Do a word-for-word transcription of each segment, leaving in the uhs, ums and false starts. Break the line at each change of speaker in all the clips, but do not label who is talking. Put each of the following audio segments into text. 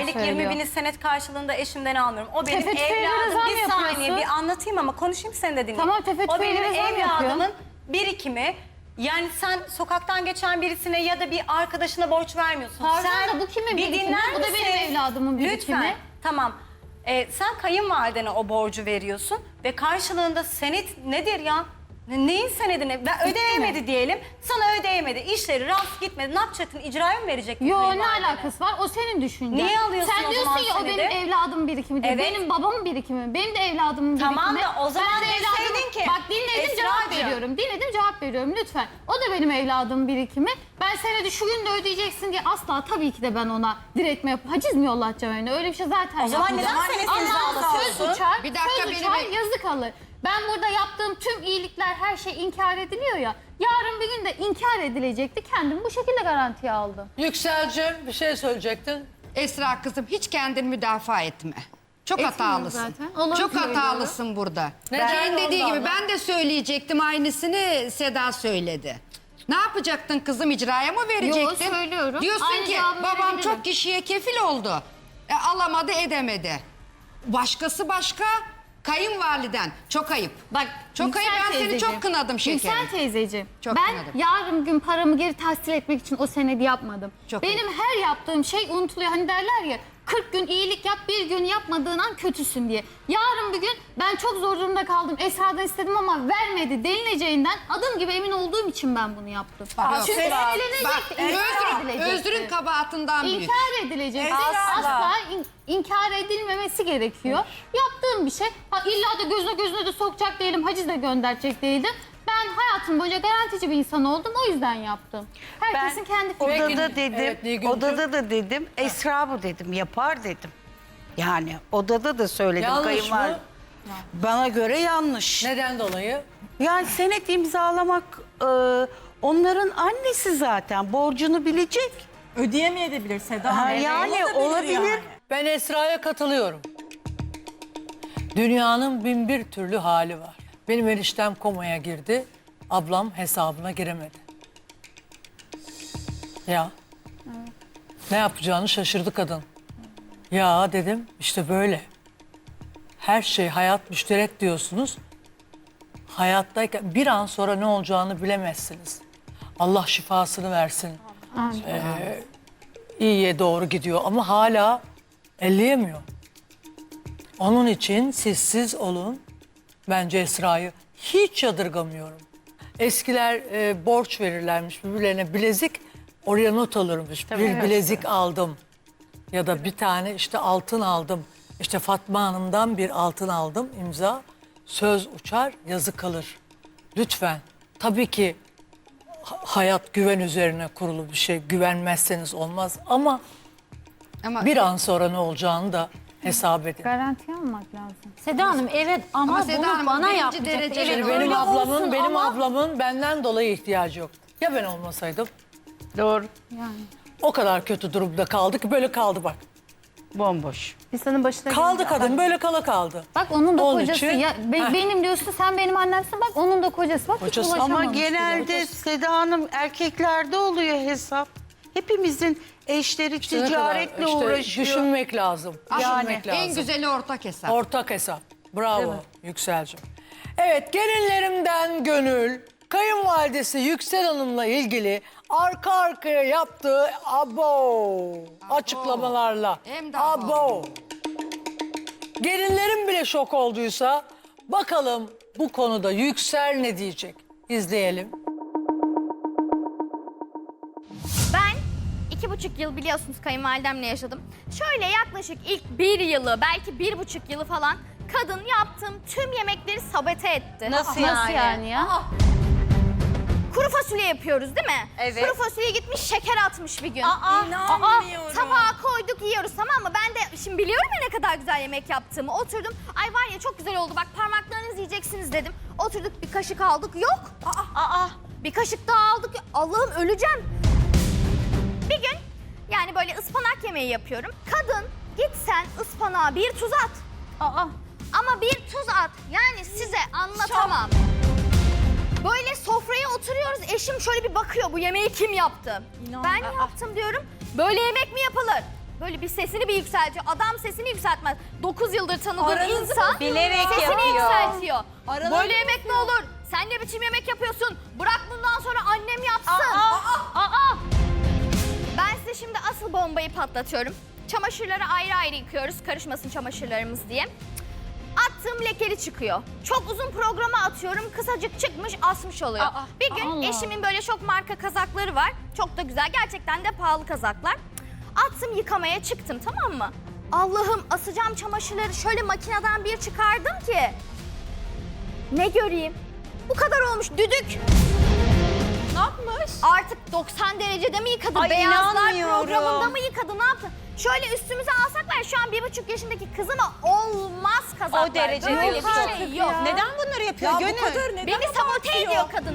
aylık
söylüyor.
yirmi bini senet karşılığında eşimden almıyorum. O benim
Tefe tüfeğine
evladım.
zam
Bir saniye
yapıyorsun.
bir anlatayım ama konuşayım sen de dinle.
Tamam, tefe
O benim
tüfeğine zam
evladımın
yapıyor.
birikimi. Yani sen sokaktan geçen birisine ya da bir arkadaşına borç vermiyorsun.
Pardon
sen
da bu kimin
bir
birikimi?
dinler
Bu da benim
misin?
evladımın birikimi.
Lütfen. Tamam. Ee, sen kayınvalidene o borcu veriyorsun ve karşılığında senet nedir ya? Ne- Neyin senedini? Ben ödeyemedi diyelim. Sana ödeyemedi. İşleri rast gitmedi. Ne yapacaktın? İcraya mı verecektin?
Yo, ne
kayınvalidene?
alakası var? O senin düşüncen.
Niye alıyorsun
Sen
o
diyorsun
zaman
ya o
senedi?
benim evladımın birikimi diye.
Evet.
Benim babamın birikimi. Benim de evladımın
Tamam
birikimi.
da o zaman
Ben de
deseydin
evladımın-
ki,
Bak dinledim cevap
Esracığım.
veriyorum. Dinledim cevap veriyorum lütfen. O da benim evladımın birikimi. Ben senedi şu gün de ödeyeceksin diye asla tabii ki de ben ona diretme yap. Haciz mi yollatacağım öyle? Öyle bir şey zaten
O zaman
yapmayacağım.
neden senedi
Ama
imzalasın?
söz uçar,
Bir dakika,
söz
beni
uçar,
bir-
yazı kalır. Ben burada yaptığım tüm iyilikler, her şey inkar ediliyor ya. Yarın bir gün de inkar edilecekti. Kendimi bu şekilde garantiye aldım.
Yükselcim bir şey söyleyecektin.
Esra kızım hiç kendini müdafaa etme. Çok
Etmiyorum
hatalısın.
zaten. Olanı
Çok
söylüyorum.
hatalısın burada.
Neden?
Kendi dediği
Ondan
gibi
mı?
ben de söyleyecektim aynısını Seda söyledi. Ne yapacaktın kızım, icraya mı verecektin?
Yo, söylüyorum.
Diyorsun
Aynı
ki
cevabı
babam
verebilirim.
çok kişiye kefil oldu. E, alamadı edemedi. Başkası başka, kayınvaliden. Çok ayıp.
Bak
Çok
Yüksel
ayıp, ben seni
teyzeciğim.
çok kınadım şekerim.
Yüksel teyzeciğim.
Çok
ben
kınadım.
yarın gün paramı geri tahsil etmek için o senedi yapmadım.
Çok
Benim her yaptığım şey unutuluyor. Hani derler ya kırk gün iyilik yap, bir gün yapmadığın an kötüsün diye. Yarın bir gün ben çok zor durumda kaldım. Esra'dan istedim ama vermedi denileceğinden adım gibi emin olduğum için ben bunu yaptım.
Bak,
Çünkü
Esra, bak,
söylenecekti, inkar
özrün,
edilecekti.
özrün kabahatından büyük.
İnkar edilecek.
Esra.
Asla in- inkar edilmemesi gerekiyor. Yaptığım bir şey. Ha, illa da gözüne gözüne de sokacak değilim, haciz de gönderecek değildim. Ben hayatım boyunca garantici bir insan oldum. O yüzden yaptım. Herkesin kendi fikri.
Odada dedim,
Evet, Nilgüncüm.
odada da dedim, Esra bu dedim, yapar dedim. Yani odada da söyledim
Yanlış
kayınvalide.
mı?
Bana göre yanlış.
Neden dolayı?
Yani senet imzalamak e, onların annesi zaten, borcunu bilecek.
Ödeyemeyebilir Seda.
Ha,
Evet,
yani olabilir.
Ben Esra'ya katılıyorum. Dünyanın bin bir türlü hali var. Benim eniştem komaya girdi. Ablam hesabına giremedi. Ya. Ne yapacağını şaşırdı kadın. Ya dedim işte böyle. Her şey hayat müşterek diyorsunuz. Hayattayken bir an sonra ne olacağını bilemezsiniz. Allah şifasını versin. Ee, iyiye doğru gidiyor ama hala elleyemiyor. Onun için sizsiz olun. Bence Esra'yı hiç yadırgamıyorum. Eskiler e, borç verirlermiş birbirlerine, bilezik oraya not alırmış. Bir bilezik aldım ya da bir tane işte altın aldım. İşte Fatma Hanım'dan bir altın aldım, imza. Söz uçar, yazı kalır. Lütfen. Tabii ki ha- hayat güven üzerine kurulu bir şey. Güvenmezseniz olmaz ama
Ama
bir an sonra ne olacağını da hesap edin.
Garanti almak lazım.
Seda Hanım evet ama,
Ama Seda
bunu
Hanım,
bana
birinci
yapacak.
dereceli
Evet,
Şimdi
öyle
benim
öyle
ablamın,
olsun
benim
ama
ablamın benden dolayı ihtiyacı yok. Ya ben olmasaydım?
Doğru.
Yani.
O kadar kötü durumda kaldı ki böyle kaldı bak.
Bomboş.
İnsanın başına
Kaldı
gelince-
kadın böyle kala kaldı.
Bak onun da
Onun
kocası.
için-
Ya, be-
Heh.
benim diyorsun sen benim annemsin. Bak onun da kocası. Bak
Kocası.
hiç
Ama
ulaşamamış bile.
genelde Seda Hanım erkeklerde oluyor hesap. Hepimizin eşleri
İşte ne kadar-
ticaretle
işte
uğraşıyor.
düşünmek lazım.
Yani
Düşünmek lazım.
en güzeli ortak hesap.
Ortak hesap. Bravo Yükselcim. Evet, gelinlerimden Gönül, kayınvalidesi Yüksel Hanım'la ilgili arka arkaya yaptığı abo, açıklamalarla.
Hem de
abo.
abo.
Gelinlerim bile şok olduysa bakalım bu konuda Yüksel ne diyecek? İzleyelim.
Ben iki buçuk yıl biliyorsunuz kayınvalidemle yaşadım. Şöyle yaklaşık ilk bir yılı, belki bir buçuk yılı falan kadın yaptığım tüm yemekleri sabote etti.
Nasıl
Nasıl
yani?
yani ya?
Kuru fasulye yapıyoruz değil mi?
Evet.
Kuru fasulye gitmiş şeker atmış bir gün.
Aa,
Aa, tabağa koyduk yiyoruz tamam mı? Ben de şimdi biliyorum ya ne kadar güzel yemek yaptığımı. Oturdum. Ay var ya çok güzel oldu bak parmaklarınızı yiyeceksiniz dedim. Oturduk bir kaşık aldık. Yok. Aa, aa. Bir kaşık daha aldık. Allah'ım öleceğim. Bir gün yani böyle ıspanak yemeği yapıyorum. Kadın git sen ıspanağa bir tuz at.
Aa.
Ama bir tuz at. Yani size anlatamam. Böyle sofraya oturuyoruz. Eşim şöyle bir bakıyor. Bu yemeği kim yaptı? Ben yaptım diyorum. Böyle yemek mi yapılır? böyle bir sesini bir yükseltiyor. Adam sesini yükseltmez. dokuz yıldır tanıdığın
Aranızı
insan
bilerek
sesini
yapıyor.
yükseltiyor.
Aralarını-
Böyle yemek mi olur? Sen ne biçim yemek yapıyorsun? Bırak bundan sonra annem yapsın. Aa! Ben size şimdi asıl bombayı patlatıyorum. Çamaşırları ayrı ayrı yıkıyoruz. Karışmasın çamaşırlarımız diye. Attığım lekeli çıkıyor. Çok uzun programa atıyorum. Kısacık çıkmış, asmış oluyor.
Aa,
bir gün
Allah.
eşimin böyle çok marka kazakları var. Çok da güzel. Gerçekten de pahalı kazaklar. Attım, yıkamaya çıktım, tamam mı? Allah'ım, asacağım çamaşırları şöyle makineden bir çıkardım ki. Ne göreyim? Bu kadar olmuş, düdük.
Ne yapmış?
Artık doksan derecede mi yıkadı?
Ay,
Beyazlar
inanmıyorum.
programında mı yıkadı? Ne yaptı? Şöyle üstümüze alsak var ya, şu an bir buçuk yaşındaki kızıma olmaz kazaklar.
O derece
Böyle
değil.
bir şey yok.
Neden bunları yapıyor
Ya
Gönül?
bu kadar neden
Beni sabote
abartıyor?
ediyor kadın.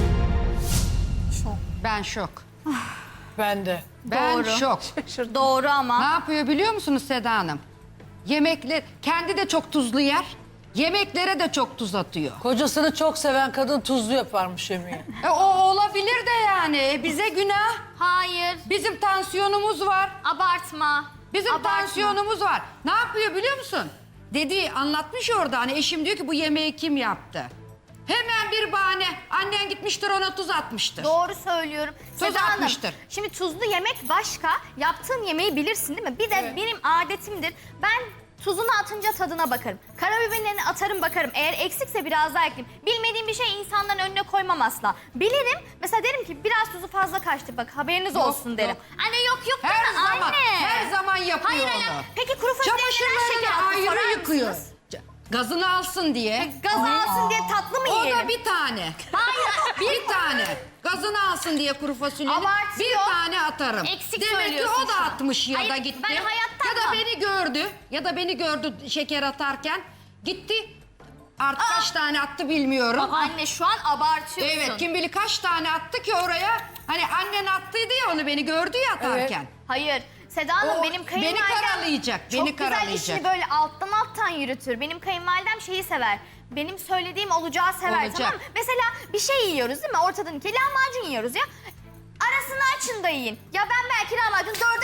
Ben şok.
Ben de.
Ben
Doğru.
şok.
Doğru
Ne
ama.
yapıyor biliyor musunuz Seda Hanım? Yemekler, kendi de çok tuzlu yer. Yemeklere de çok tuz atıyor.
Kocasını çok seven kadın tuzlu yaparmış yemeği.
E, o olabilir de yani. E, bize günah.
Hayır.
Bizim tansiyonumuz var.
Abartma.
Bizim
Abartma.
tansiyonumuz var. Ne yapıyor biliyor musun? Dedi, anlatmış orada, hani eşim diyor ki bu yemeği kim yaptı? Hemen bir bahane. Annen gitmiştir ona tuz atmıştır.
Doğru söylüyorum.
Tuz
Seda Hanım,
atmıştır.
şimdi tuzlu yemek başka. Yaptığın yemeği bilirsin değil mi? Bir de benim adetimdir. Ben tuzunu atınca tadına bakarım. Karabiberini atarım, bakarım. Eğer eksikse biraz daha ekleyeyim. Bilmediğim bir şey insanların önüne koymam asla. Bilirim. Mesela derim ki biraz tuzu fazla kaçtı, bak haberiniz
Yok,
olsun derim.
yok.
Anne yok yok
Her
deme
zaman,
anne.
her zaman yapıyor
Hayır
onu.
anne. Peki kuru fasulyeye neden şeker attı,
Çamaşırlarını
sorar
ayrı yıkıyor.
mısınız?
Gazını alsın diye.
Gaz alsın diye tatlı mı
O
yiyelim?
da bir tane.
Hayır.
Bir tane. Gazını alsın diye kuru fasulyeyi
Abartıyor.
bir tane atarım.
Eksik
Demek ki
söylüyorsun
o da
şu an.
atmış ya
Hayır,
da gitti.
ben hayatta
ya da
atmam.
beni gördü. Ya da beni gördü şeker atarken. Gitti. Artık kaç tane attı bilmiyorum.
Bak anne, şu an abartıyorsun.
Evet, kim bilir kaç tane attı ki oraya. Hani annen attıydı ya, onu beni gördü ya atarken.
Hayır. Seda Hanım,
O
benim
beni
kayınvalidem
karalayacak,
çok
beni
güzel
karalayacak.
işini böyle alttan alttan yürütür. Benim kayınvalidem şeyi sever. Benim söylediğim olacağı sever,
Olacak.
tamam mı? Mesela bir şey yiyoruz değil mi? Ortadan iki lahmacun yiyoruz ya. Arasını açın da yiyin. Ya ben belki lahmacun dörde